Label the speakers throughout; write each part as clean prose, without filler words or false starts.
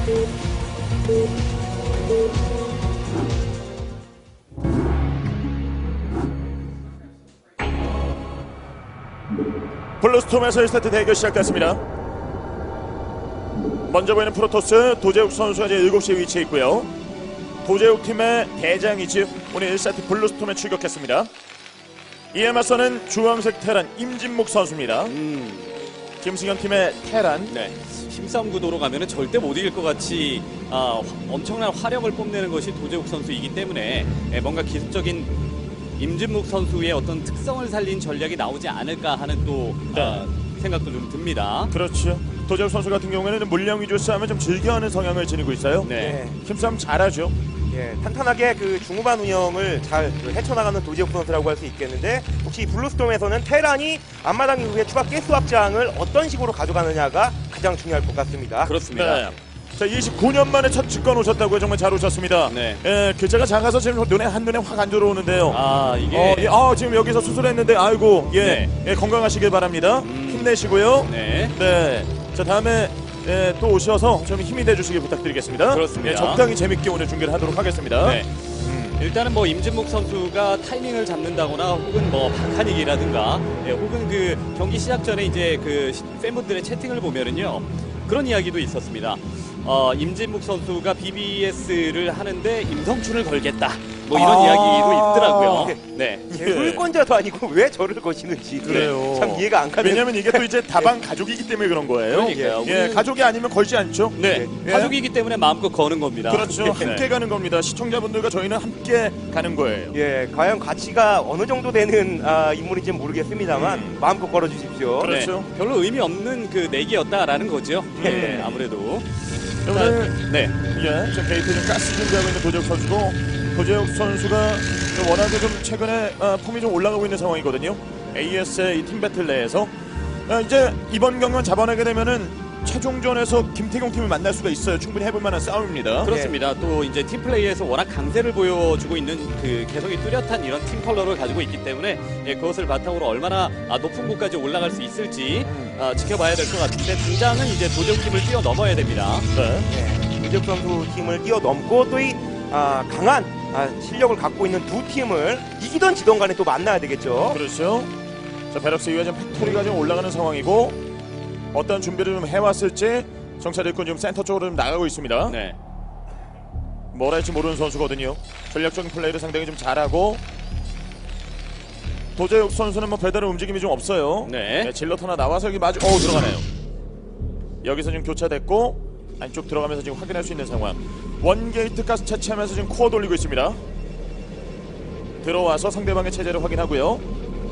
Speaker 1: 블루스톰에서 1세트 대결 시작됐습니다. 먼저 보이는 프로토스 도재욱 선수가 이제 7시에 위치해 있고요. 도재욱 팀의 대장이지 오늘 1세트 블루스톰에 출격했습니다. 이에 맞서는 주황색 테란 임진묵 선수입니다. 김승현 팀의 테란.
Speaker 2: 네. 힘싸움 구도로 가면은 절대 못 이길 것 같이 엄청난 화력을 뽐내는 것이 도재욱 선수이기 때문에 뭔가 기습적인 임진묵 선수의 어떤 특성을 살린 전략이 나오지 않을까 하는 또 생각도 좀 듭니다.
Speaker 1: 그렇죠. 도재욱 선수 같은 경우에는 물량 위주 싸움을 좀 즐겨하는 성향을 지니고 있어요.
Speaker 2: 네.
Speaker 1: 힘싸움 잘하죠.
Speaker 3: 예, 탄탄하게 그 중후반 운영을 잘 헤쳐나가는 도재욱 선수라고 할 수 있겠는데, 혹시 블루스톰에서는 테란이 앞마당 이후에 추가 가스 확장을 어떤 식으로 가져가느냐가 가장 중요할 것 같습니다.
Speaker 2: 그렇습니다.
Speaker 1: 네. 자, 29년 만에 첫 직권 오셨다고요. 정말 잘 오셨습니다.
Speaker 2: 네.
Speaker 1: 예, 글자가 작아서 지금 한눈에 확 안 들어오는데요.
Speaker 2: 이게
Speaker 1: 예, 지금 여기서 수술했는데 아이고 예, 건강하시길 바랍니다. 힘내시고요.
Speaker 2: 네.
Speaker 1: 네. 자, 다음에 또 오셔서 좀 힘이 돼주시길 부탁드리겠습니다.
Speaker 2: 그렇습니다.
Speaker 1: 예, 적당히 재밌게 오늘 중계를 하도록 하겠습니다.
Speaker 2: 네. 일단은 뭐 임진묵 선수가 타이밍을 잡는다거나 혹은 뭐 박한익이라든가 혹은 그 경기 시작 전에 이제 그 팬분들의 채팅을 보면은요, 그런 이야기도 있었습니다. 임진묵 선수가 BBS를 하는데 임성춘을 걸겠다, 뭐 이런 이야기도 있더라고요.
Speaker 3: 네. 물권자도 아니고 왜 저를 거시는지
Speaker 1: 그래요.
Speaker 3: 참 이해가 안 가는.
Speaker 1: 왜냐면 이게 또 이제 다방 가족이기 때문에 그런 거예요.
Speaker 2: 그러니까요.
Speaker 1: 예,
Speaker 2: 우리는-
Speaker 1: 가족이 아니면 걸지 않죠.
Speaker 2: 네.
Speaker 1: 예.
Speaker 2: 가족이기 때문에 마음껏 거는 겁니다.
Speaker 1: 그렇죠.
Speaker 2: 네.
Speaker 1: 함께 가는 겁니다. 시청자분들과 저희는 함께 가는 거예요.
Speaker 3: 예, 과연 가치가 어느 정도 되는 인물인지는 모르겠습니다만 마음껏 걸어주십시오.
Speaker 1: 그렇죠.
Speaker 2: 네. 별로 의미 없는 그 내기였다라는 거죠. 네, 아무래도.
Speaker 1: 오늘
Speaker 2: 네.
Speaker 1: 예, 지금 게이트 좀 가스 준비하고 있는 도재욱 선수고, 도재욱 선수가 좀 워낙에 좀 최근에 폼이 좀 올라가고 있는 상황이거든요. AS의 이 팀 배틀 내에서 이제 이번 경기만 잡아내게 되면은 최종전에서 김태경 팀을 만날 수가 있어요. 충분히 해볼 만한 싸움입니다.
Speaker 2: 그렇습니다. 또 이제 팀 플레이에서 워낙 강세를 보여주고 있는 그 개성이 뚜렷한 이런 팀 컬러를 가지고 있기 때문에 그것을 바탕으로 얼마나 높은 곳까지 올라갈 수 있을지 지켜봐야 될 것 같은데, 당장은 이제 도재욱 팀을 뛰어넘어야 됩니다.
Speaker 1: 네.
Speaker 3: 예, 도재욱 선수 팀을 뛰어넘고 또 이 강한 실력을 갖고 있는 두 팀을 이기던 지던 간에 또 만나야 되겠죠.
Speaker 1: 그렇죠. 자, 베럭스 이후에 지금 팩토리가 지금 올라가는 상황이고, 어떤 준비를 좀 해왔을지 정찰 일꾼 지금 센터 쪽으로 좀 나가고 있습니다.
Speaker 2: 네.
Speaker 1: 뭘 할지 모르는 선수거든요. 전략적인 플레이를 상당히 좀 잘하고, 도재욱 선수는 뭐 배달의 움직임이 좀 없어요.
Speaker 2: 네.
Speaker 1: 질럿 하나 나와서 여기 마주 들어가네요. 여기서 지금 교차됐고 안쪽 들어가면서 지금 확인할 수 있는 상황. 원게이트 가스 채취하면서 지금 코어 돌리고 있습니다. 들어와서 상대방의 체제를 확인하고요.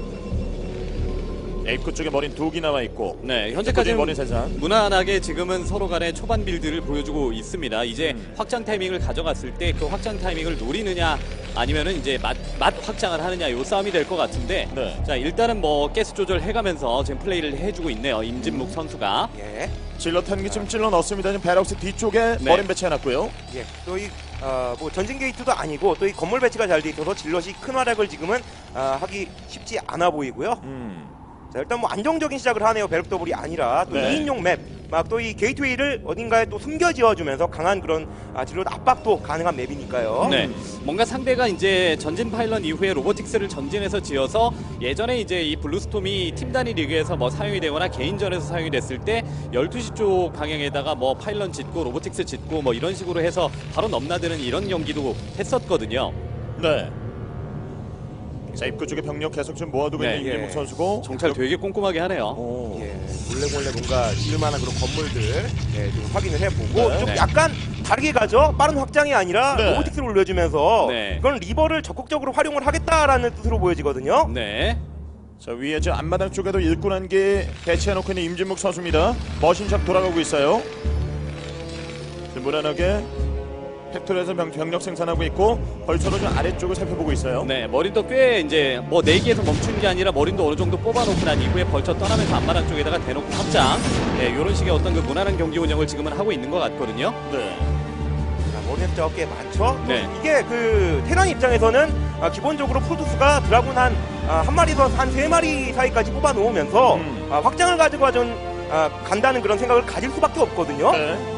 Speaker 1: 에이프 쪽에 머린 2기 나와 있고,
Speaker 2: 네, 현재까지는
Speaker 1: 머린 세상.
Speaker 2: 무난하게 지금은 서로 간의 초반 빌드를 보여주고 있습니다. 이제 확장 타이밍을 가져갔을 때 그 확장 타이밍을 노리느냐 아니면은 이제 맛 확장을 하느냐, 요 싸움이 될 것 같은데,
Speaker 1: 네.
Speaker 2: 자, 일단은 뭐 가스 조절해가면서 지금 플레이를 해주고 있네요, 임진묵 선수가.
Speaker 3: 예,
Speaker 1: 질럿 한 개 지금 찔러 넣습니다. 지금 베럭스 뒤쪽에
Speaker 2: 네.
Speaker 1: 머린 배치해놨고요.
Speaker 3: 예. 또 이 뭐 전진 게이트도 아니고 또 이 건물 배치가 잘 돼 있어서 질럿이 큰 활약을 지금은 하기 쉽지 않아 보이고요. 자, 일단 뭐 안정적인 시작을 하네요. 배럭 더블이 아니라 또
Speaker 1: 네.
Speaker 3: 2인용 맵, 막 또 이 게이트웨이를 어딘가에 또 숨겨 지어주면서 강한 그런 질럿 압박도 가능한 맵이니까요.
Speaker 2: 네, 뭔가 상대가 이제 전진 파일럿 이후에 로보틱스를 전진해서 지어서, 예전에 이제 이 블루스톰이 팀 단위 리그에서 뭐 사용이 되거나 개인전에서 사용이 됐을 때 12시 쪽 방향에다가 뭐 파일럿 짓고 로보틱스 짓고 뭐 이런 식으로 해서 바로 넘나드는 이런 경기도 했었거든요.
Speaker 1: 네. 자, 입구 쪽에 병력 계속 좀 모아두고
Speaker 2: 네.
Speaker 1: 있는 임진묵 선수고,
Speaker 2: 정찰 되게 꼼꼼하게 하네요.
Speaker 1: 오.
Speaker 3: 예, 몰래 뭔가 지을 만한 그런 건물들 좀 확인을 해보고,
Speaker 1: 네.
Speaker 3: 좀
Speaker 2: 네.
Speaker 3: 약간 다르게 가죠. 빠른 확장이 아니라
Speaker 1: 네.
Speaker 3: 로보틱스를 올려주면서
Speaker 2: 네.
Speaker 3: 이건 리버를 적극적으로 활용을 하겠다라는 뜻으로 보여지거든요.
Speaker 2: 네.
Speaker 1: 자, 위에 저 앞마당 쪽에도 일꾼 한 개 배치해놓고 있는 임진묵 선수입니다. 머신샵 돌아가고 있어요. 지금 무난하게 팩토리에서 병력 생산하고 있고, 벌처로 좀 아래쪽을 살펴보고 있어요.
Speaker 2: 네, 머린도 꽤 이제 뭐 4기에서 멈춘 게 아니라 머린도 어느 정도 뽑아놓고 난 이후에 벌쳐 떠나면서 앞마당 쪽에다가 대놓고 확장, 이런 식의 어떤 그 무난한 경기 운영을 지금은 하고 있는 것 같거든요.
Speaker 1: 네.
Speaker 3: 머리숫자가 꽤 많죠.
Speaker 2: 네.
Speaker 3: 이게 그 테란 입장에서는 기본적으로 프로토스가 드라군 한 마리에서 한 3마리 사이까지 뽑아 놓으면서 확장을 가지고 간다는 그런 생각을 가질 수밖에 없거든요.
Speaker 1: 네.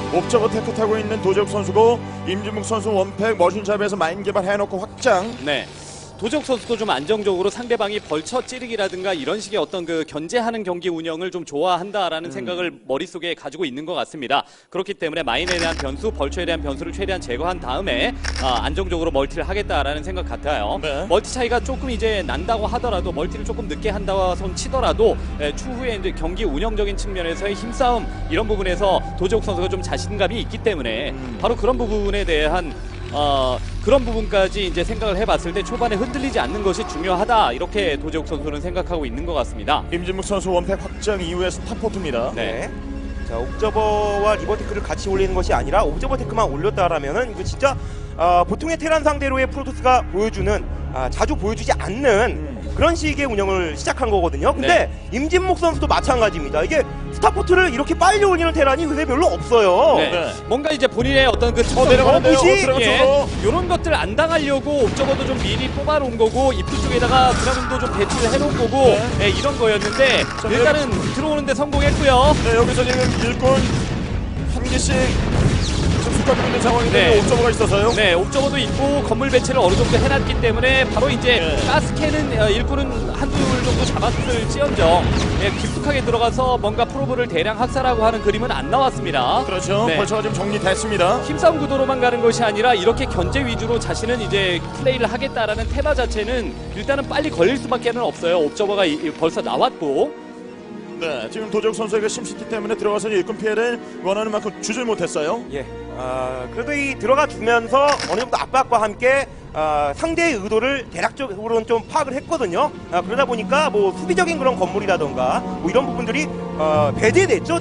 Speaker 1: 옵저버 테크 타고 있는 도재욱 선수고 임진묵 선수 원팩 머신샵에서 마인 개발해놓고 확장.
Speaker 2: 네. 도적 선수도 좀 안정적으로 상대방이 벌쳐 찌르기라든가 이런 식의 어떤 그 견제하는 경기 운영을 좀 좋아한다라는 생각을 머릿속에 가지고 있는 것 같습니다. 그렇기 때문에 마인에 대한 변수, 벌쳐에 대한 변수를 최대한 제거한 다음에 안정적으로 멀티를 하겠다라는 생각 같아요.
Speaker 1: 네.
Speaker 2: 멀티 차이가 조금 이제 난다고 하더라도 멀티를 조금 늦게 한다고 손 치더라도 추후에 이제 경기 운영적인 측면에서의 힘싸움 이런 부분에서 도적 선수가 좀 자신감이 있기 때문에 바로 그런 부분에 대한 그런 부분까지 이제 생각을 해봤을 때 초반에 흔들리지 않는 것이 중요하다 이렇게 도재욱 선수는 생각하고 있는 것 같습니다.
Speaker 1: 임진묵 선수 원팩 확장 이후에 스타포트입니다.
Speaker 2: 네.
Speaker 3: 자, 옵저버와 리버테크를 같이 올리는 것이 아니라 옵저버 테크만 올렸다라면은 이거 진짜 보통의 테란 상대로의 프로토스가 보여주는 자주 보여주지 않는 그런 식의 운영을 시작한 거거든요. 근데 임진묵 선수도 마찬가지입니다. 이게 스타포트를 이렇게 빨리 올리는 테란이 요새 별로 없어요.
Speaker 2: 네.
Speaker 1: 네.
Speaker 2: 뭔가 이제 본인의 어떤 그 특성,
Speaker 1: 내려가는데요.
Speaker 3: 거부시?
Speaker 2: 이런 것들 안 당하려고 옵저버도 좀 미리 뽑아놓은 거고 입구 쪽에다가 드라군도 좀 배치를 해놓은 거고 이런 거였는데 일단은 들어오는데 성공했고요.
Speaker 1: 네, 여기서 지금 일꾼 한 개씩 숙하고 있는 상황인데
Speaker 2: 네.
Speaker 1: 옵저버가 있어서요.
Speaker 2: 네, 옵저버도 있고 건물 배치를 어느 정도 해놨기 때문에 바로 이제 가스캔은 일꾼은 한둘 정도 잡았을지언정 깊숙하게 들어가서 뭔가 프로브를 대량 학살하고 하는 그림은 안 나왔습니다.
Speaker 1: 그렇죠.
Speaker 2: 네.
Speaker 1: 벌처가 지금 정리됐습니다.
Speaker 2: 힘싸움 구도로만 가는 것이 아니라 이렇게 견제 위주로 자신은 이제 플레이를 하겠다라는 테마 자체는 일단은 빨리 걸릴 수밖에 없어요. 옵저버가 벌써 나왔고.
Speaker 1: 네, 지금 도재욱 선수에게 심시티 때문에 들어가서 일꾼 피해를 원하는 만큼 주질 못했어요.
Speaker 3: 예. 그래도 이 들어가 주면서 어느 정도 압박과 함께 상대의 의도를 대략적으로는 좀 파악을 했거든요. 그러다 보니까 뭐 수비적인 그런 건물이라던가 뭐 이런 부분들이 배제됐죠,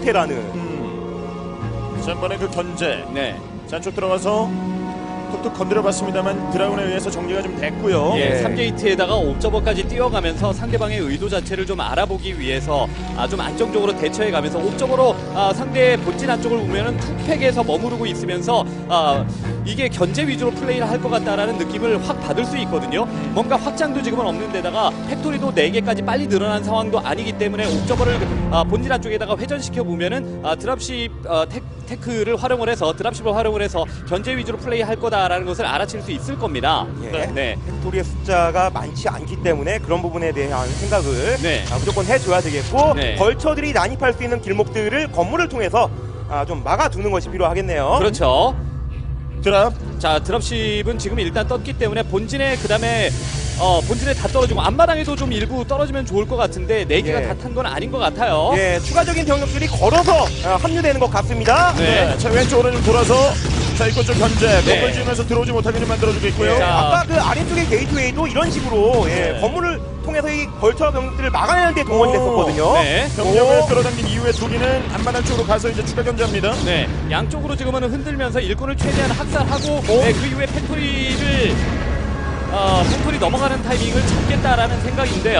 Speaker 3: 테라는.
Speaker 1: 지난번에 그 견제.
Speaker 2: 네.
Speaker 1: 잔쪽 들어가서 툭툭 건드려봤습니다만 드라군에 의해서 정리가 좀 됐고요.
Speaker 2: 예, 3게이트에다가 옵저버까지 뛰어가면서 상대방의 의도 자체를 좀 알아보기 위해서 좀 안정적으로 대처해가면서 옵저버로 상대의 본진 안쪽을 보면은 투팩에서 머무르고 있으면서 이게 견제 위주로 플레이를 할 것 같다라는 느낌을 확 받을 수 있거든요. 뭔가 확장도 지금은 없는 데다가 팩토리도 4개까지 빨리 늘어난 상황도 아니기 때문에 옵저버를 본진 안쪽에다가 회전시켜 보면은 드랍십 테크를 활용을 해서 드랍십을 활용을 해서 견제 위주로 플레이할 거다라는 것을 알아챌 수 있을 겁니다.
Speaker 3: 예.
Speaker 2: 네.
Speaker 3: 팩토리의 숫자가 많지 않기 때문에 그런 부분에 대한 생각을
Speaker 2: 네.
Speaker 3: 무조건 해줘야 되겠고
Speaker 2: 네.
Speaker 3: 벌처들이 난입할 수 있는 길목들을 건물을 통해서 좀 막아두는 것이 필요하겠네요.
Speaker 2: 그렇죠.
Speaker 1: 드랍.
Speaker 2: 자, 드랍십은 지금 일단 떴기 때문에 본진에 그다음에 본진에 다 떨어지고 앞마당에도 좀 일부 떨어지면 좋을 것 같은데 4개가
Speaker 3: 예.
Speaker 2: 다 탄 건 아닌 것 같아요.
Speaker 3: 예, 추가적인 병력들이 걸어서 합류되는 것 같습니다.
Speaker 2: 네.
Speaker 1: 네, 자 왼쪽으로 좀 돌아서 자 이곳 좀 견제.
Speaker 2: 네.
Speaker 1: 건물 지으면서 들어오지 못하게 좀 만들어주고 있고요.
Speaker 3: 예,
Speaker 2: 자.
Speaker 3: 아까 그 아래쪽의 게이트웨이도 이런 식으로
Speaker 1: 네.
Speaker 3: 건물을 통해서 이 벌처 병력들을 막아내는 데 동원이 됐었거든요.
Speaker 2: 네.
Speaker 1: 병력을
Speaker 3: 오.
Speaker 1: 끌어당긴 이후에 두기는 앞마당 쪽으로 가서 이제 추가 견제합니다.
Speaker 2: 네. 양쪽으로 지금은 흔들면서 일꾼을 최대한 학살하고 그 이후에 팩토리 넘어가는 타이밍을 잡겠다라는 생각인데요.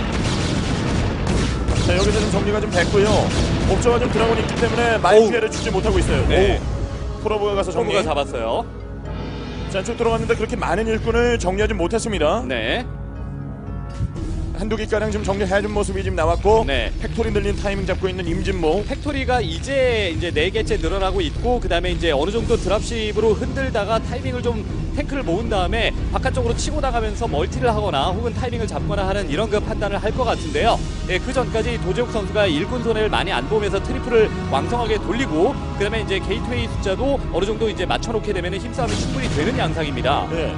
Speaker 1: 자 여기서 좀 정리가 좀 됐고요. 옵저가 좀 드라곤이 있기 때문에 많이
Speaker 2: 오우.
Speaker 1: 피해를 주지 못하고 있어요.
Speaker 2: 네.
Speaker 1: 오. 프로브가 가서 정리.
Speaker 2: 정부가 잡았어요.
Speaker 1: 자 쭉 들어갔는데 그렇게 많은 일꾼을 정리하지 못했습니다.
Speaker 2: 네.
Speaker 1: 한두 개가량 지금 정리해준 모습이 지금 나왔고
Speaker 2: 네.
Speaker 1: 팩토리 늘린 타이밍 잡고 있는 임진모.
Speaker 2: 팩토리가 이제 4개째 늘어나고 있고 그다음에 이제 어느 정도 드랍십으로 흔들다가 타이밍을 좀 탱크를 모은 다음에 바깥쪽으로 치고 나가면서 멀티를 하거나 혹은 타이밍을 잡거나 하는 이런 그 판단을 할 것 같은데요. 예, 그 전까지 도재욱 선수가 일꾼 손해를 많이 안 보면서 트리플을 왕성하게 돌리고 그다음에 이제 게이트웨이 숫자도 어느 정도 이제 맞춰놓게 되면 힘싸움이 충분히 되는 양상입니다.
Speaker 1: 네.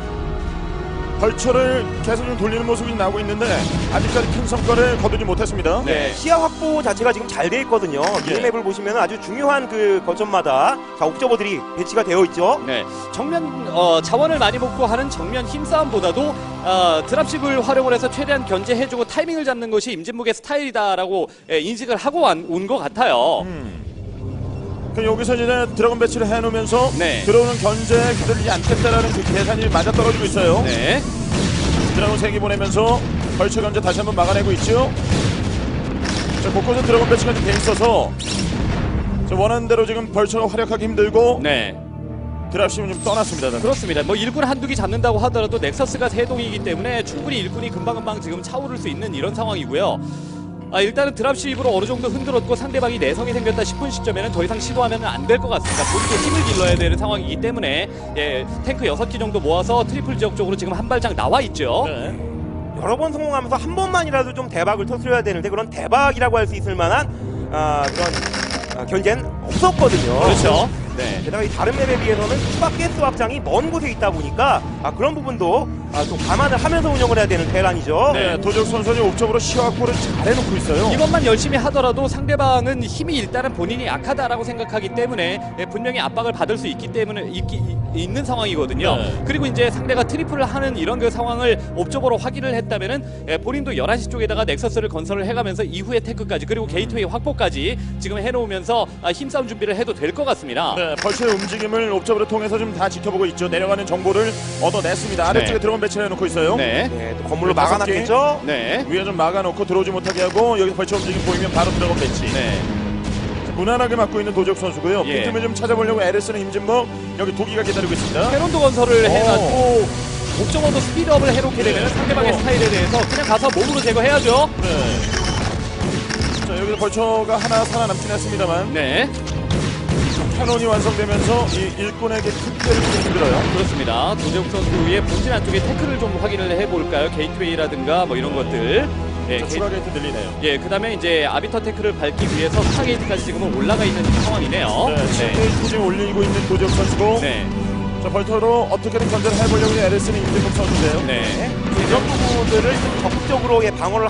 Speaker 1: 벌처를 계속 좀 돌리는 모습이 나오고 있는데 아직까지 큰 성과를 거두지 못했습니다.
Speaker 2: 네.
Speaker 3: 시야 확보 자체가 지금 잘 돼 있거든요. 미니맵을 보시면 아주 중요한 그 거점마다 옵저버들이 배치가 되어 있죠.
Speaker 2: 네, 정면 자원을 많이 먹고 하는 정면 힘싸움보다도 드랍십을 활용을 해서 최대한 견제해주고 타이밍을 잡는 것이 임진묵의 스타일이다라고 인식을 하고 온 것 같아요.
Speaker 1: 그럼 여기서 이제 드래곤 배치를 해놓으면서
Speaker 2: 네.
Speaker 1: 들어오는 견제 기다리지 않겠다라는 그 계산이 맞아 떨어지고 있어요.
Speaker 2: 네,
Speaker 1: 드래곤 3개 보내면서 벌처 견제 다시 한번 막아내고 있죠. 자, 곳곳에 드래곤 배치가 좀 돼 있어서 자, 원하는 대로 지금 벌처가 활약하기 힘들고
Speaker 2: 네.
Speaker 1: 드랍심은 좀 떠났습니다.
Speaker 2: 그렇습니다. 뭐 일꾼 한두 개 잡는다고 하더라도 넥서스가 3동이기 때문에 충분히 일꾼이 금방금방 지금 차오를 수 있는 이런 상황이고요. 일단은 드랍십으로 어느 정도 흔들었고 상대방이 내성이 생겼다 싶은 시점에는 더 이상 시도하면 안 될 것 같습니다. 본인도 힘을 길러야 되는 상황이기 때문에 예, 탱크 6기 정도 모아서 트리플 지역 쪽으로 지금 한 발짝 나와 있죠.
Speaker 1: 네.
Speaker 3: 여러 번 성공하면서 한 번만이라도 좀 대박을 터뜨려야 되는데 그런 대박이라고 할 수 있을 만한 그런 견제는 없었거든요.
Speaker 2: 그렇죠. 네.
Speaker 3: 게다가 이 다른 맵에 비해서는 추가 가스 확장이 먼 곳에 있다 보니까 그런 부분도 좀 감안을 하면서 운영을 해야 되는 테란이죠.
Speaker 1: 네, 도적 선수는 옵적으로 시화골을 잘 해놓고 있어요.
Speaker 2: 이것만 열심히 하더라도 상대방은 힘이 일단은 본인이 약하다라고 생각하기 때문에 예, 분명히 압박을 받을 수 있기 때문에 있는 상황이거든요.
Speaker 1: 네.
Speaker 2: 그리고 이제 상대가 트리플을 하는 이런 그 상황을 옵적으로 확인을 했다면은 예, 본인도 11시 쪽에다가 넥서스를 건설을 해가면서 이후에 테크까지 그리고 게이트웨이 확보까지 지금 해놓으면서 힘싸움 준비를 해도 될 것 같습니다.
Speaker 1: 네, 벌처의 움직임을 옵적으로 통해서 좀 다 지켜보고 있죠. 내려가는 정보를 얻어냈습니다. 아래쪽에
Speaker 2: 네.
Speaker 1: 드론 배치를 해놓고 있어요.
Speaker 2: 네.
Speaker 3: 네, 또 건물로
Speaker 1: 다섯
Speaker 3: 막아놨겠죠.
Speaker 2: 네.
Speaker 1: 위에 좀 막아놓고 들어오지 못하게 하고 여기서 벌처 움직임 보이면 바로 들어가면 배치.
Speaker 2: 네.
Speaker 1: 무난하게 막고 있는 도적 선수고요.
Speaker 2: 예.
Speaker 1: 빈틈을 좀 찾아보려고 에르스는 임진목 여기 도기가 기다리고 있습니다.
Speaker 2: 캐논도 건설을 해놨고 옵저버도 스피드업을 해놓게 되면 상대방의 스타일에 대해서 그냥 가서 몸으로 제거해야죠.
Speaker 1: 네. 자, 여기서 벌처가 하나 살아남긴 했습니다만
Speaker 2: 네.
Speaker 1: 캐논이 완성되면서 이 일꾼에게 큰 피해를 주기 힘들어요.
Speaker 2: 그렇습니다. 도재욱 선수의 본진 안쪽에 태클을 좀 확인을 해볼까요? 게이트웨이라든가 뭐 이런 것들. 예,
Speaker 1: 자, 추가 게이트 늘리네요.
Speaker 2: 예, 그다음에 이제 아비터 태클을 밟기 위해서 스타 게이트까지 지금은 올라가 있는 상황이네요.
Speaker 1: 네, 지금 지금 올리고 있는 도적 선수고
Speaker 2: 네.
Speaker 1: 자, 벌처로 어떻게든 견제를 해보려고 하는 에르스는 임진목 선수인데요.
Speaker 2: 네.
Speaker 3: 이런 부분들을 좀 적극적으로 방어를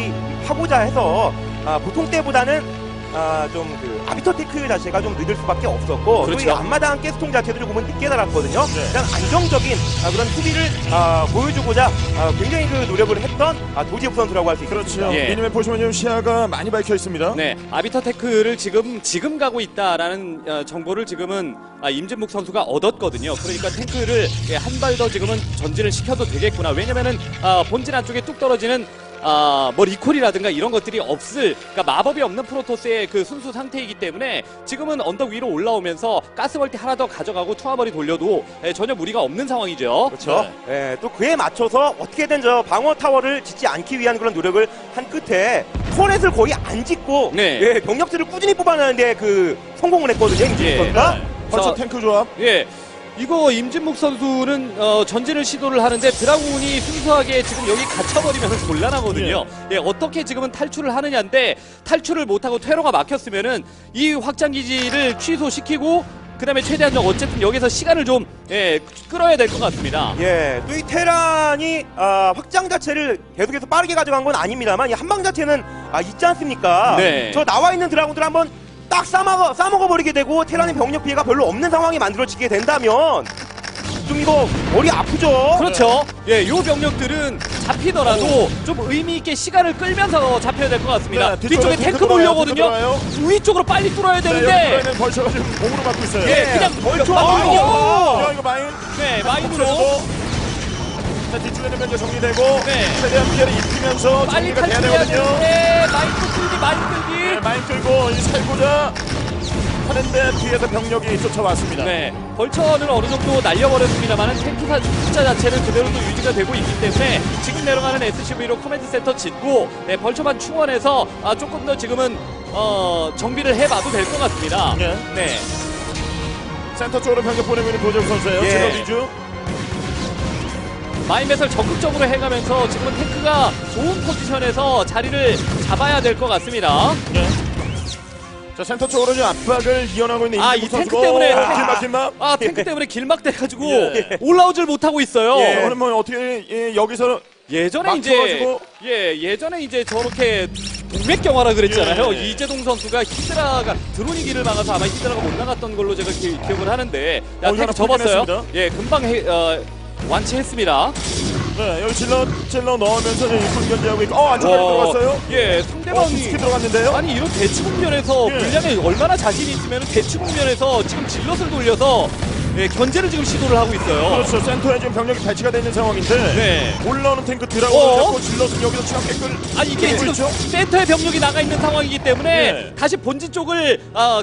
Speaker 3: 하고자 해서 보통 때보다는 좀 그 아비터 테크 자체가 좀 늦을 수밖에 없었고
Speaker 2: 그렇죠.
Speaker 3: 또 이 앞마당 가스통 자체도 조금은 늦게 달았거든요.
Speaker 1: 네.
Speaker 3: 일단 안정적인 그런 수비를 보여주고자 굉장히 그 노력을 했던 도지욱 선수라고 할 수 있습니다.
Speaker 1: 그렇죠.
Speaker 2: 예.
Speaker 1: 미니맵 보시면 지금 시야가 많이 밝혀 있습니다.
Speaker 2: 네, 아비터 테크를 지금 가고 있다라는 정보를 지금은 임진묵 선수가 얻었거든요. 그러니까 탱크를 한 발 더 지금은 전진을 시켜도 되겠구나. 왜냐면은 본진 안쪽에 뚝 떨어지는 뭐 리콜이라든가 이런 것들이 그러니까 마법이 없는 프로토스의 그 순수 상태이기 때문에 지금은 언덕 위로 올라오면서 가스벌티 하나 더 가져가고 투하벌이 돌려도 전혀 무리가 없는 상황이죠.
Speaker 3: 그렇죠. 예, 또 그에 맞춰서 어떻게든 저 방어 타워를 짓지 않기 위한 그런 노력을 한 끝에 터렛을 거의 안 짓고
Speaker 2: 네.
Speaker 3: 예, 병력들을 꾸준히 뽑아내는데 그 성공을 했거든요. 임진욱
Speaker 2: 예.
Speaker 3: 선수가.
Speaker 1: 벌처
Speaker 2: 자,
Speaker 1: 탱크 조합.
Speaker 2: 예. 이거 임진묵 선수는 전진을 시도를 하는데 드라군이 순수하게 지금 여기 갇혀버리면 곤란하거든요. 예, 어떻게 지금은 탈출을 하느냐인데 탈출을 못하고 퇴로가 막혔으면은 이 확장기지를 취소시키고 그 다음에 최대한 어쨌든 여기서 시간을 좀 끌어야 될 것 같습니다.
Speaker 3: 예, 또 이 테란이 확장 자체를 계속해서 빠르게 가져간 건 아닙니다만 이 한방 자체는 있지 않습니까?
Speaker 2: 네.
Speaker 3: 저 나와 있는 드라군들 한번 딱 싸먹어버리게 되고 테란의 병력 피해가 별로 없는 상황이 만들어지게 된다면 좀 이거 머리 아프죠?
Speaker 2: 그렇죠. 예, 요 병력들은 잡히더라도 좀 의미 있게 시간을 끌면서 잡혀야 될 것 같습니다.
Speaker 1: 네,
Speaker 2: 뒤쪽에 탱크 몰려거든요.
Speaker 1: 들어와요.
Speaker 2: 위쪽으로 빨리 뚫어야
Speaker 1: 네, 여기
Speaker 2: 되는데
Speaker 1: 들어있는 벌처가 지금 공으로 막고 있어요.
Speaker 2: 예, 그냥
Speaker 3: 벌초
Speaker 2: 마인이요.
Speaker 1: 야, 이거 마인.
Speaker 2: 네, 마인으로
Speaker 1: 자, 뒤쪽에는 면제 정리되고
Speaker 2: 네.
Speaker 1: 최대한 피해를 입히면서
Speaker 2: 빨리
Speaker 1: 정리가 돼야
Speaker 2: 탈출해야
Speaker 1: 되거든요.
Speaker 2: 되는데 마인 끌기.
Speaker 1: 네, 마인 끌고 이 살고자 하는데 뒤에서 병력이 쫓아왔습니다.
Speaker 2: 네, 벌처는 어느 정도 날려버렸습니다만 탱크 숫자 자체는 그대로도 유지가 되고 있기 때문에 지금 내려가는 SCV로 커맨드 센터 짓고 벌처만 충원해서 조금 더 지금은 정비를 해봐도 될 것 같습니다.
Speaker 1: 예.
Speaker 2: 네.
Speaker 1: 센터 쪽으로 병력 보내고 있는 도재욱 선수예요.
Speaker 3: 예.
Speaker 1: 질러 위주.
Speaker 2: 마인맷을 적극적으로 해가면서 지금은 탱크가 좋은 포지션에서 자리를 잡아야 될 것 같습니다.
Speaker 1: 예. 자, 센터 쪽으로 지금 압박을 이어나고 있는
Speaker 2: 이
Speaker 1: 임진묵
Speaker 2: 탱크
Speaker 1: 선수고.
Speaker 2: 때문에
Speaker 1: 길막.
Speaker 2: 탱크 때문에 길막돼가지고
Speaker 1: 예.
Speaker 2: 올라오질 못하고 있어요.
Speaker 1: 예. 오늘 뭐 어떻게 여기서
Speaker 2: 예전에
Speaker 1: 막혀가지고.
Speaker 2: 예전에 이제 저렇게 동맥경화라 그랬잖아요.
Speaker 1: 예.
Speaker 2: 이재동 선수가 히드라가 드론이 길을 막아서 아마 히드라가 못 나갔던 걸로 제가 기억을 하는데
Speaker 1: 이거 하나
Speaker 2: 탱크 접었어요.
Speaker 1: 풀긴
Speaker 2: 예, 금방 완치했습니다.
Speaker 1: 네, 여기 질러 넣으면서 이제 일꾼 견제하고 있고. 안쪽으로 들어갔어요.
Speaker 2: 예, 상대방이
Speaker 1: 깊게 들어갔는데요.
Speaker 2: 아니 이런 대치 국면에서
Speaker 1: 예.
Speaker 2: 물량에 얼마나 자신이 있으면 대치 국면에서 지금 질럿을 돌려서 견제를 지금 시도를 하고 있어요.
Speaker 1: 그렇죠. 센터에 지금 병력이 배치가 되어 있는 상황인데
Speaker 2: 네.
Speaker 1: 올라오는 탱크
Speaker 2: 어?
Speaker 1: 드라곤을 잡고 질럿은 여기서 추가 깨끗.
Speaker 2: 아 이게 지금
Speaker 1: 있죠?
Speaker 2: 센터에 병력이 나가 있는 상황이기 때문에
Speaker 1: 네.
Speaker 2: 다시 본진 쪽을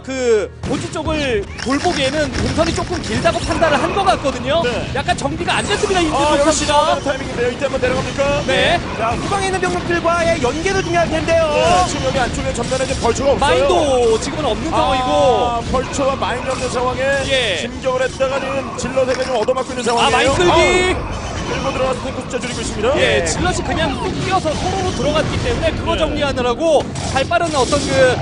Speaker 2: 본진 쪽을 돌보기에는 동선이 조금 길다고 판단을 한 것 같거든요.
Speaker 1: 네.
Speaker 2: 약간 정비가 안 됐습니다. 임진묵
Speaker 1: 여기
Speaker 2: 선수가.
Speaker 1: 시작하는 타이밍인데요. 이때 한번 내려갑니까?
Speaker 2: 네.
Speaker 3: 자, 후방에 있는 병력들과의 연계도 중요할 텐데요.
Speaker 1: 네, 지금 여기 안쪽에 전면에 지금 벌초가 없어요.
Speaker 2: 마인도 지금은 없는 상황이고.
Speaker 1: 아, 벌초와 마인이 없는 상황에
Speaker 2: 예.
Speaker 1: 진격을 했다가 지금 질럿에게 좀 얻어맞고 있는 상황이에요.
Speaker 2: 마인 끌기.
Speaker 1: 끌고 들어가서 탱크 숫자 줄이고 있습니다.
Speaker 2: 예, 질럿이 그냥 뚝 뛰어서 서로로 들어갔기 때문에 그거
Speaker 1: 네.
Speaker 2: 정리하느라고 발 빠른 어떤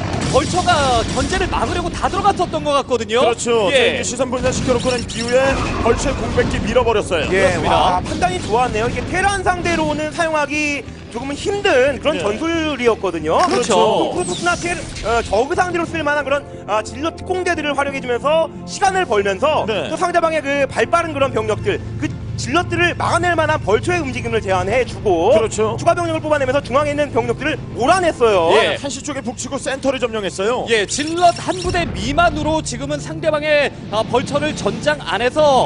Speaker 2: 벌처가 견제를 막으려고 다 들어갔었던 것 같거든요.
Speaker 1: 그렇죠.
Speaker 2: 예.
Speaker 1: 이제 시선 분산 시켜놓고 난 이후에 벌초의 공백기 밀어버렸어요.
Speaker 3: 예,
Speaker 2: 그렇습니다.
Speaker 3: 와, 판단이 좋았네요. 이게 테란 상대로는 사용하기 조금은 힘든 그런
Speaker 1: 예.
Speaker 3: 전술이었거든요.
Speaker 2: 그렇죠.
Speaker 3: 또 프로토스나 저그 상대로 쓸만한 그런 진로 특공대들을 활용해주면서 시간을 벌면서
Speaker 1: 네.
Speaker 3: 또 상대방의 그 발빠른 그런 병력들, 그 질럿들을 막아낼 만한 벌초의 움직임을 제한해주고
Speaker 1: 그렇죠.
Speaker 3: 추가 병력을 뽑아내면서 중앙에 있는 병력들을 몰아냈어요.
Speaker 2: 예.
Speaker 1: 한시 쪽에 북치고 센터를 점령했어요.
Speaker 2: 예, 질럿 한 부대 미만으로 지금은 상대방의 벌처를 전장 안에서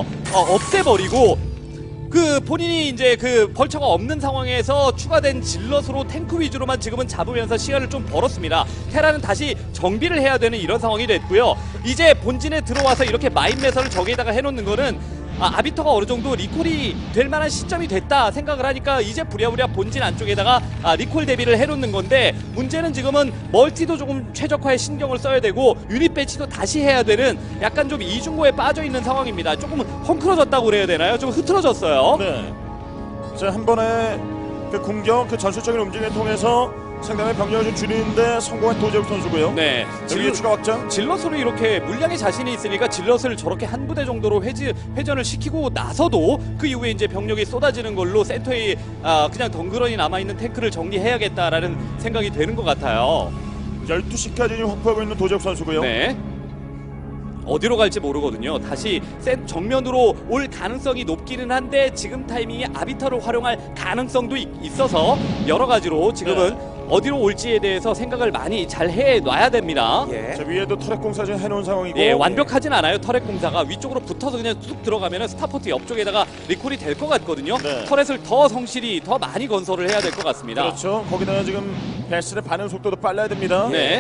Speaker 2: 없애버리고 그 본인이 이제 그 벌처가 없는 상황에서 추가된 질럿으로 탱크 위주로만 지금은 잡으면서 시간을 좀 벌었습니다. 테라는 다시 정비를 해야 되는 이런 상황이 됐고요. 이제 본진에 들어와서 이렇게 마인 매설을 저기에다가 해놓는 거는 아비터가 어느 정도 리콜이 될 만한 시점이 됐다 생각을 하니까 이제 부랴부랴 본진 안쪽에다가 리콜 대비를 해놓는 건데 문제는 지금은 멀티도 조금 최적화에 신경을 써야 되고 유닛 배치도 다시 해야 되는 약간 좀 이중고에 빠져 있는 상황입니다. 조금 헝클어졌다고 그래야 되나요? 좀 흐트러졌어요.
Speaker 1: 네. 자, 한 번에 그 공격, 그 전술적인 움직임을 통해서 상당히 병력을 좀 줄이는데 성공한 도재욱 선수고요.
Speaker 2: 네.
Speaker 1: 여기 추가 확장.
Speaker 2: 질럿으로 이렇게 물량에 자신이 있으니까 질럿을 저렇게 한 부대 정도로 회전을 시키고 나서도 그 이후에 이제 병력이 쏟아지는 걸로 센터에 그냥 덩그러니 남아있는 탱크를 정리해야겠다라는 생각이 되는 것 같아요.
Speaker 1: 12시까지 확보하고 있는 도재욱 선수고요.
Speaker 2: 네. 어디로 갈지 모르거든요. 다시 센 정면으로 올 가능성이 높기는 한데 지금 타이밍에 아비터를 활용할 가능성도 있어서 여러 가지로 지금은 어디로 올지에 대해서 생각을 많이 잘 해놔야 됩니다.
Speaker 3: 예.
Speaker 1: 자, 위에도 터렛 공사 지금 해놓은 상황이고.
Speaker 2: 예, 완벽하진 않아요. 터렛 공사가 위쪽으로 붙어서 그냥 뚝 들어가면 스타포트 옆쪽에다가 리콜이 될 것 같거든요.
Speaker 1: 네.
Speaker 2: 터렛을 더 성실히 더 많이 건설을 해야 될 것 같습니다.
Speaker 1: 그렇죠. 거기다가 지금 베스의 반응 속도도 빨라야 됩니다.
Speaker 2: 네.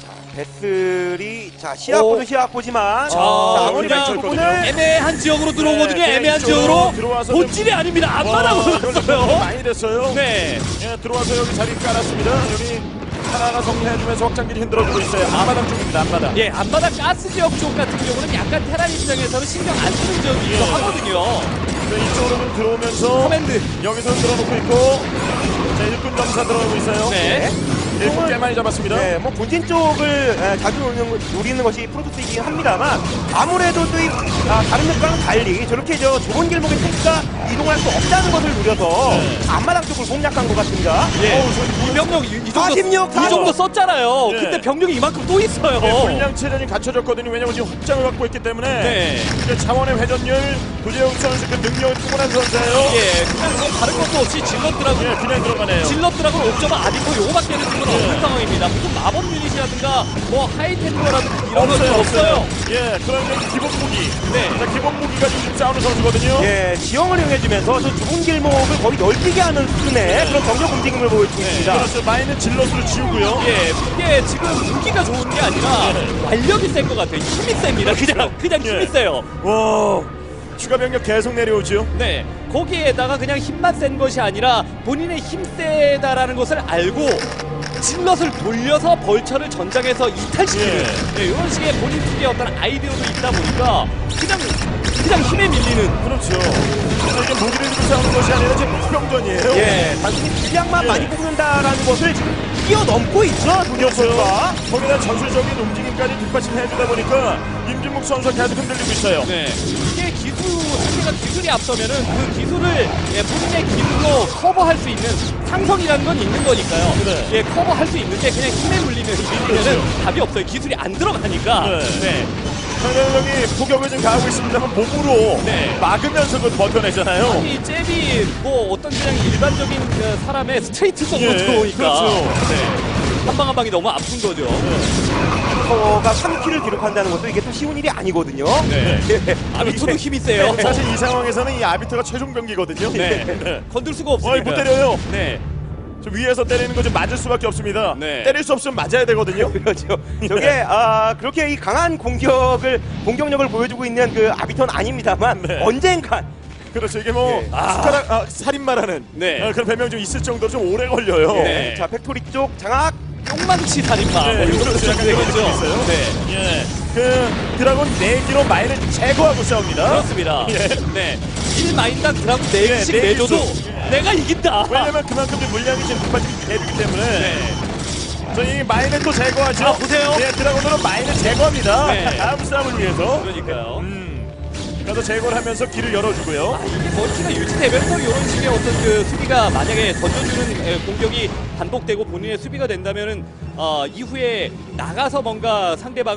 Speaker 3: 베슬이 시합보도 시합보지만 아무리
Speaker 1: 그냥
Speaker 3: 그 부분을
Speaker 2: 애매한 지역으로 들어오거든요.
Speaker 1: 네,
Speaker 2: 애매한
Speaker 1: 이쪽으로
Speaker 2: 지역으로
Speaker 1: 들어와서
Speaker 2: 본질이 아닙니다. 앞바닥으로
Speaker 1: 이걸 좀
Speaker 2: 갔어요.
Speaker 1: 많이 됐어요.
Speaker 2: 네.
Speaker 1: 예, 들어와서 여기 자리 깔았습니다. 여기 하나하나 정리해주면서 확장기를 흔들어주고 있어요. 앞마당 쪽입니다. 앞마당.
Speaker 2: 예, 앞바닥 가스 지역 쪽 같은 경우는 약간 테란 입장에서는 신경 안 쓰는 지역이기도 하거든요.
Speaker 1: 네, 이쪽으로 좀 들어오면서
Speaker 2: 커맨드.
Speaker 1: 여기서 들어놓고 있고 자, 일꾼 점사 들어가고 있어요.
Speaker 2: 네.
Speaker 1: 일꾼 꽤 많이 잡았습니다.
Speaker 3: 네, 뭐 본진 쪽을 자주 노리는 것이 프로토스이긴 합니다만 아무래도 또 다른 역과는 달리 저렇게 좁은 길목에 탱크가 이동할 수 없다는 것을 노려서 앞마당 쪽을 공략한 것 같습니다.
Speaker 2: 예. 이 병력 이 정도
Speaker 3: 46,
Speaker 2: 이 정도 썼잖아요.
Speaker 1: 예.
Speaker 2: 근데 병력이 이만큼 또 있어요.
Speaker 1: 네, 분량 체전이 갖춰졌거든요. 왜냐면 지금 확장을 갖고 있기 때문에
Speaker 2: 네.
Speaker 1: 그 자원의 회전율 도재욱 선수 그 능력이 충분한 선수예요.
Speaker 2: 예, 그냥 뭐 다른 것도 없이 질럿들하고
Speaker 1: 예, 그냥 들어가네요.
Speaker 2: 질럿들하고 옵저버 아디코 요거밖에는 지금 없는 상황입니다. 무슨 마법 유닛이라든가 뭐 하이템퍼라든가 이런 것도 없어요.
Speaker 1: 예, 그러면 기본 무기.
Speaker 2: 네.
Speaker 1: 자, 기본 무기가 지금 싸우는 선수거든요.
Speaker 3: 예, 지형을 이용해주면서 저 좁은 길목을 거의 넓히게 하는 수준의 그런 병력 움직임을 보여주고 있습니다.
Speaker 1: 그렇죠. 마인은 질럿으로 지우고요.
Speaker 2: 예, 이게 지금 무기가 좋은 게 아니라 완력이 센 것 같아요. 힘이 셉니다. 그냥 힘이
Speaker 1: 예.
Speaker 2: 세요.
Speaker 1: 와, 추가 병력 계속 내려오죠.
Speaker 2: 네, 거기에다가 그냥 힘만 센 것이 아니라 본인의 힘 세다라는 것을 알고 질럿을 돌려서 벌처를 전장에서 이탈시키는 네, 이런 식의 본인 특유의 어떤 아이디어도 있다 보니까 그냥 힘에 밀리는
Speaker 1: 그렇죠. 그래서 이게 무기를 들고 싸우는 것이 아니라 지금 무병전이에요.
Speaker 3: 예, 단순히 분량만
Speaker 1: 예.
Speaker 3: 많이 뽑는다라는 것을 지금 뛰어넘고 있죠, 도재욱 선수가.
Speaker 1: 거기다 전술적인 움직임까지 뒷받침해주다 보니까 임진묵 선수가 계속 흔들리고 있어요.
Speaker 2: 네, 이게 상대가 기술이 앞서면은 그 기술을 본인의 기술로 커버할 수 있는 상성이라는 건 있는 거니까요.
Speaker 1: 네.
Speaker 2: 예, 커버할 수 있는데 그냥 힘에 밀리면은 답이 없어요. 기술이 안 들어가니까.
Speaker 1: 네. 상대방이 포격을 좀 가하고 있습니다만 몸으로
Speaker 2: 네.
Speaker 1: 막으면서 그걸 버텨내잖아요.
Speaker 2: 이 잽이 뭐 어떤 그냥 일반적인 사람의 스트레이트성으로
Speaker 1: 예,
Speaker 2: 들어오니까
Speaker 1: 그렇죠.
Speaker 2: 네. 한 방 한 방이 너무 아픈 거죠.
Speaker 3: 아비터가 3킬을 기록한다는 것도 이게 또 쉬운 일이 아니거든요.
Speaker 2: 네.
Speaker 3: 예.
Speaker 2: 아비토도 힘이 세요.
Speaker 1: 사실 이 상황에서는 이 아비터가 최종 병기거든요.
Speaker 2: 네. 건들 수가
Speaker 1: 못
Speaker 2: 없습니다.
Speaker 1: 때려요.
Speaker 2: 네.
Speaker 1: 좀 위에서 때리는 거 좀 맞을 수밖에 없습니다.
Speaker 2: 네.
Speaker 1: 때릴 수 없으면 맞아야 되거든요.
Speaker 3: 그렇죠. 저게 그렇게 이 강한 공격력을 보여주고 있는 그 아비터는 아닙니다만
Speaker 1: 네.
Speaker 3: 언젠간
Speaker 1: 그렇죠. 이게 뭐
Speaker 3: 예.
Speaker 1: 숟가락 살인마라는
Speaker 2: 네.
Speaker 1: 그런 별명 좀 있을 정도로 좀 오래 걸려요.
Speaker 2: 네.
Speaker 3: 자 팩토리 쪽 장악.
Speaker 2: 똥망치 살인마.
Speaker 1: 네,
Speaker 2: 뭐 이런
Speaker 1: 그렇죠.
Speaker 2: 것도
Speaker 1: 약간
Speaker 2: 되겠죠.
Speaker 1: 그런 게 있어요.
Speaker 2: 네.
Speaker 1: 예. 그 드라곤 4기로 마인을 제거하고 싸웁니다.
Speaker 2: 그렇습니다.
Speaker 1: 예.
Speaker 2: 네. 1마인당 드라군
Speaker 1: 네,
Speaker 2: 4개씩
Speaker 1: 네
Speaker 2: 내줘도
Speaker 1: 개씩.
Speaker 2: 내가 이긴다.
Speaker 1: 왜냐면 그만큼 좀 물량이 지금 급해지기 때문에
Speaker 2: 네.
Speaker 1: 저희 마인을 또 제거하죠.
Speaker 2: 아, 보세요.
Speaker 1: 네, 드라곤으로 마인을 제거합니다.
Speaker 2: 네.
Speaker 1: 다음 싸움을 위해서.
Speaker 2: 그러니까요.
Speaker 1: 그래서 제거를 하면서 길을 열어주고요.
Speaker 2: 아, 이게 멀티가 유지되면서 이런 식의 어떤 그 수비가 만약에 던져주는 공격이 반복되고 본인의 수비가 된다면은 이후에 나가서 뭔가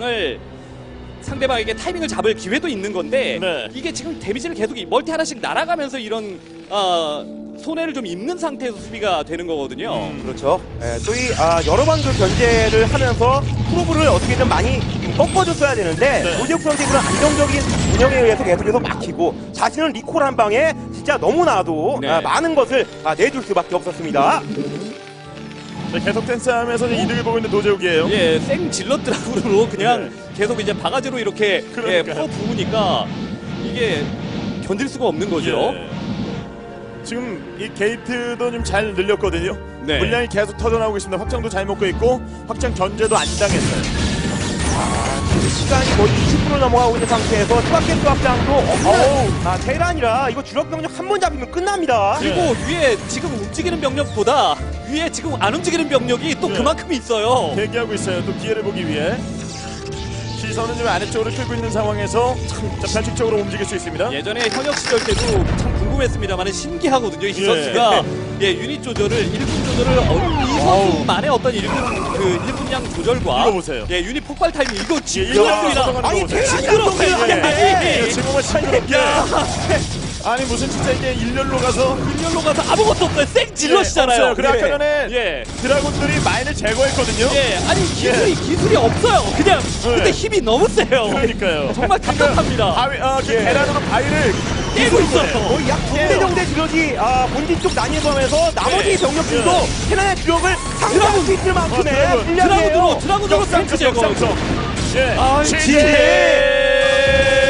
Speaker 2: 상대방에게 타이밍을 잡을 기회도 있는 건데
Speaker 1: 네.
Speaker 2: 이게 지금 데미지를 계속 멀티 하나씩 날아가면서 이런 손해를 좀 입는 상태에서 수비가 되는 거거든요.
Speaker 3: 그렇죠. 또 이 여러 번 그 견제를 하면서 프로브를 어떻게든 많이 꺾어줬어야 되는데
Speaker 1: 네.
Speaker 3: 노재욱 선수의 그런 안정적인 운영에 의해서 계속해서 막히고 자신은 리콜 한 방에 진짜 너무나도
Speaker 2: 네.
Speaker 3: 많은 것을 내줄 수밖에 없었습니다.
Speaker 1: 네, 계속된 싸움에서 이득을 보고 있는 도제욱이에요.
Speaker 2: 예, 생 질럿 드라군으로 그냥
Speaker 1: 네.
Speaker 2: 계속 이제 바가지로 이렇게
Speaker 1: 그러니까요.
Speaker 2: 풀어 부으니까 이게 견딜 수가 없는 거죠.
Speaker 1: 예. 지금 이 게이트도 좀 잘 늘렸거든요.
Speaker 2: 네.
Speaker 1: 물량이 계속 터져나오고 있습니다. 확장도 잘 먹고 있고 확장 견제도 안 당했어요.
Speaker 3: 시간이 거의 20분을 넘어가고 있는 상태에서 추가캐스 확장도 없는 테란이라 이거 주력 병력 한 번 잡히면 끝납니다.
Speaker 2: 그리고 위에 지금 움직이는 병력보다 위에 지금 안 움직이는 병력이 또
Speaker 1: 네.
Speaker 2: 그만큼 있어요.
Speaker 1: 대기하고 있어요. 또 기회를 보기 위해. 시선은 좀 아래쪽으로 끌고 있는 상황에서 자, 변칙적으로 움직일 수 있습니다.
Speaker 2: 예전에 현역 시절 때도 참 궁금했습니다만 신기하거든요. 이
Speaker 1: 예.
Speaker 2: 선수가 유닛 조절을 1분 조절을 이 선수만의 어떤 1분량 조절과
Speaker 1: 이거 보세요.
Speaker 2: 유닛 폭발 타이밍 이거
Speaker 1: 예,
Speaker 2: 징그럽습니다.
Speaker 3: 아니
Speaker 2: 징그럽어요.
Speaker 1: 예, 지금은 싱그럽게. 아니 무슨 진짜 이게 일렬로 가서
Speaker 2: 일렬로 가서 아무것도 없어요. 생 질럿이잖아요.
Speaker 1: 없어요. 그래 아까 전에
Speaker 2: 예.
Speaker 1: 드라군들이 마인을 제거했거든요.
Speaker 2: 예, 아니 기술이 없어요. 그냥 근데 힘이 너무 세요.
Speaker 1: 그러니까요.
Speaker 2: 정말 답답합니다.
Speaker 1: 바위, 그 계란으로 바위를
Speaker 2: 깨고 있어요.
Speaker 3: 거의 약 2대 정도의 주력이 본진 쪽 나뉘어가면서 나머지
Speaker 1: 네.
Speaker 3: 병력들도
Speaker 1: 네.
Speaker 3: 테란의 주력을 상대할 수 있을 만큼의
Speaker 1: 드라군.
Speaker 3: 분량이에요.
Speaker 2: 드라군으로 탱크 제거.
Speaker 1: 예.
Speaker 2: 아,
Speaker 1: 지지!